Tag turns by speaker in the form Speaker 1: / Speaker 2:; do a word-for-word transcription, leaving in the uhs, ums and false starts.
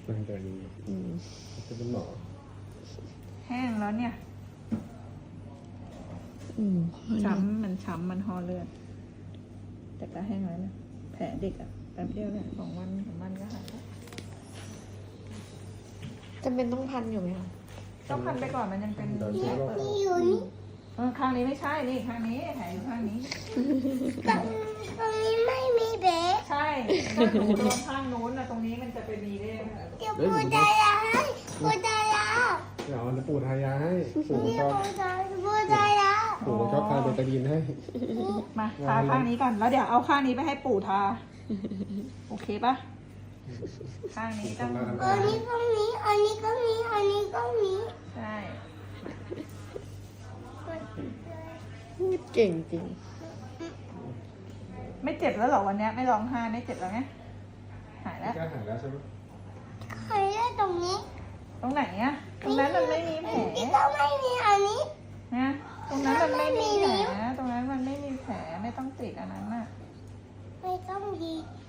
Speaker 1: มันจะดีจะเป็นหมอ
Speaker 2: แห้งแล้วเนี่ย
Speaker 3: อืม
Speaker 2: ช้ำมันช้ำมันห่อเลือด แต่ก็แห้งแล้วนะแผลเด็กอะแป๊บเดียวเนี่ยสองวันสามวันก็หายแล้ว
Speaker 3: จำเป็นต้องพันอยู่ไหมคะ
Speaker 2: ต้องพันไปก่อนมันยังเป็น
Speaker 1: เดี๋ยว
Speaker 2: แผ
Speaker 1: เช็
Speaker 2: ล
Speaker 1: คว่า
Speaker 2: เปิด
Speaker 4: อยู่นี่
Speaker 2: เออข้างนี้ไม่ใช่นี่ข้างนี้แผลอยู่ข้างนี้
Speaker 4: ตรงตรงนี้ไม่มีเบส
Speaker 2: ใช่ถ้าหนูโดนข้างนู้นนะตรงนี้มันจะไปมีได้ไหม
Speaker 4: เดี๋ยวปูตายาให้ปูตายา
Speaker 1: เดี๋ยวจะปูทายาให้ปู่
Speaker 4: เดี๋
Speaker 1: ช
Speaker 4: ยว
Speaker 1: อบ
Speaker 4: ปูตายปูตายา
Speaker 1: ปู่ชอบทานเบตาดีนให้
Speaker 2: มาทาข้างนี้ก่อนแล้วเดี๋ยวเอาข้างนี้ไปให้ปู่ทา โอเคปะข้างนี้ต้อง
Speaker 4: อันนี้ก็มีอันนี้ก็มีอันนี้ก็มี
Speaker 2: ใช่
Speaker 3: พูดเก่งจริง
Speaker 2: ไม่เจ็บแล้วเหรอวันเนี้ยไม่ร้องไห้ไม่เจ็บแล้วไงหายแล้ว
Speaker 1: ก็หายแล้วใช่ไหม
Speaker 4: ใครได้ตรงนี้
Speaker 2: ตรงไหนอะตรงนั้นมันไม่มีแผล
Speaker 4: นี่ก็ไม่มีอันนี้
Speaker 2: นะตรงนั้นมันไม่มีแผลตรงนั้นมันไม่มีแผลไม่ต้องติดอันนั้นน่ะ
Speaker 4: ไม่ต้องดี